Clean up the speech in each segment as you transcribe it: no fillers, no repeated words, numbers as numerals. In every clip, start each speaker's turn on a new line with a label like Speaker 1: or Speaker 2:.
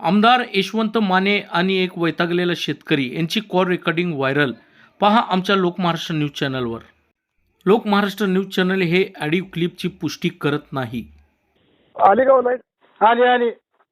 Speaker 1: आमदार यशवंत माने आणि एक वैतागलेला शेतकरी यांची कॉल रेकॉर्डिंग व्हायरल. पहा आमच्या लोकमहाराष्ट्र न्यूज चॅनलवर. लोकमहाराष्ट्र न्यूज चॅनल हे ऑडिओ क्लिपची पुष्टी करत नाही.
Speaker 2: आली का लाईट?
Speaker 3: आली आली.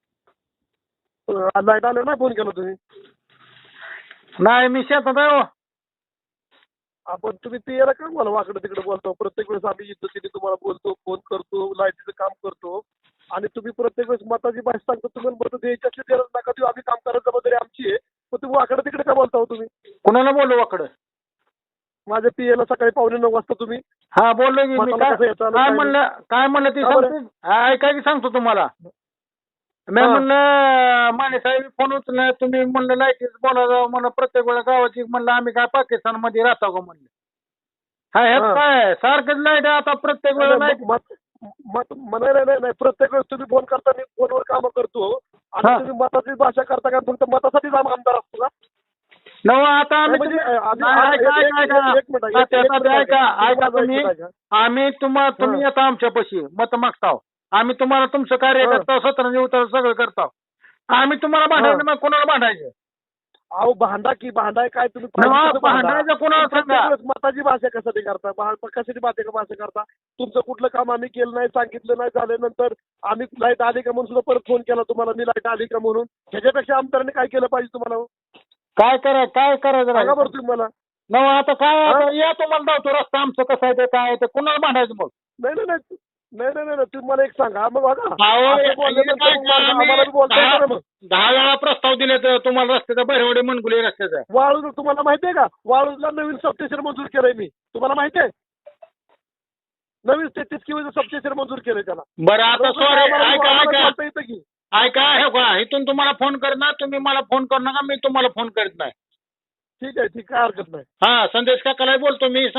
Speaker 2: लाईट आलं नाही फोन केला तुम्ही?
Speaker 3: नाही मी शेतात आहे हो.
Speaker 2: आपण तुम्ही ते याला का मला वाकडं तिकडे बोलतो? प्रत्येक वेळेस आम्ही इज्जतीने तुम्हाला बोलतो, फोन करतो, लाईटीचं काम करतो आणि तुम्ही प्रत्येक वेळेस मताची भाषा सांगतो. तुम्ही मतं द्यायची असली गरज नका देऊ, आम्ही काम करायची जबाबदारी आमची आहे. पण तुम्ही वाकडं तिकडे का बोलता हो तुम्ही?
Speaker 3: कुणाला बोललो वाकडं?
Speaker 2: माझ्या पीएला सकाळी 9:45 वाजता तुम्ही
Speaker 3: हा बोललो की मी.
Speaker 2: मताला कसं येतं आणि
Speaker 3: काय
Speaker 2: काय
Speaker 3: म्हणलं ते
Speaker 2: का बरं?
Speaker 3: सांगतो. ऐका की सांगतो तुम्हाला. मी
Speaker 2: हा.
Speaker 3: म्हणलं माने साहेब फोन उचलला, तुम्ही म्हणलं लाईटीच बोला म्हणलं प्रत्येक वेळा गावाची म्हणलं आम्ही काय पाकिस्तान मध्ये राहतो का म्हणलं. हा ह्यात
Speaker 2: हा.
Speaker 3: काय सारखंच लाईट आता प्रत्येक वेळा लाईट.
Speaker 2: नाही प्रत्येक वेळेस तुम्ही फोन करता, मी फोनवर काम करतो आणि
Speaker 3: हा.
Speaker 2: तुम्ही मताची भाषा करता का? फक्त मतासाठीच आमदार असतो का?
Speaker 3: नव आता आम्ही
Speaker 2: म्हणजे आम्ही-
Speaker 3: नाही, ऐका,
Speaker 2: एक-
Speaker 3: ऐका, ऐका.
Speaker 2: एक मिनिट,
Speaker 3: हा,
Speaker 2: एक-
Speaker 3: त्याचा
Speaker 2: एक
Speaker 3: बी
Speaker 2: मिनिट,
Speaker 3: ऐका,
Speaker 2: एक
Speaker 3: ऐका
Speaker 2: मिनिट,
Speaker 3: तुम्ही.
Speaker 2: एक मिनिट.
Speaker 3: आम्ही तुम्ही येता आमच्यापाशी मत मागताव. आम्ही तुम्हाला तुमचं कार्य
Speaker 2: हा.
Speaker 3: करताव, सत्र उतर सगळं करताव. आम्ही तुम्हाला भांडायचं मग कोणाला भांडायचं?
Speaker 2: अहो भांडा की भांडाय काय तुम्ही
Speaker 3: नवा,
Speaker 2: पाहिजे तसं भांडा.
Speaker 3: भांडायचं कोणाला
Speaker 2: प्रत्येक
Speaker 3: सांगा.
Speaker 2: वेळेस मताची भाषा कशासाठी करता? कशाची भाषा करता? तुमचं कुठलं काम आम्ही केलं नाही, सांगितलं नाही, झाल्यानंतर आम्ही लाईट आली का म्हणून सुद्धा परत फोन केला तुम्हाला, मी लाईट आली का म्हणून. ह्याच्यापेक्षा आमदारांनी काय केलं पाहिजे तुम्हाला हो?
Speaker 3: काय करायचं
Speaker 2: सांगा बरं तुम्ही मला.
Speaker 3: नव आता काय
Speaker 2: हा?
Speaker 3: आता या तुम्हाला धावतो रस्ता आमचं कसं आहे ते काय आहे ते कोणाला भांडायचं मग?
Speaker 2: नाही नाही नाही नाही नाही नाही तुम्ही मला एक सांगा मग बघा.
Speaker 3: अहो,
Speaker 2: असं बोलल्यानंतर
Speaker 3: काय
Speaker 2: मग मला-
Speaker 3: आम्ही
Speaker 2: आम्हाला बी बोलता येतं ना मग.
Speaker 3: 10 वेळा प्रस्ताव दिले तर तुम्हाला रस्त्याचा बहिरवडे मनगुले रस्त्याचा.
Speaker 2: वाळूज तुम्हाला माहिती आहे का? वाळूजला नवीन सबस्टेशन मंजूर केलंय मी. तुम्हाला माहिती आहे? नवीन 33 किलोचं सबस्टेशन मंजूर केलंय त्याला.
Speaker 3: बरं आता सॉरी ऐका
Speaker 2: बोलता येतं की.
Speaker 3: ऐका हे का इथून तुम्हाला फोन करणार, तुम्ही मला फोन करू नका, मी तुम्हाला फोन करत नाही.
Speaker 2: ठीक आहे, काय हरकत नाही.
Speaker 3: हा संदेश काकाला बोलतो मी.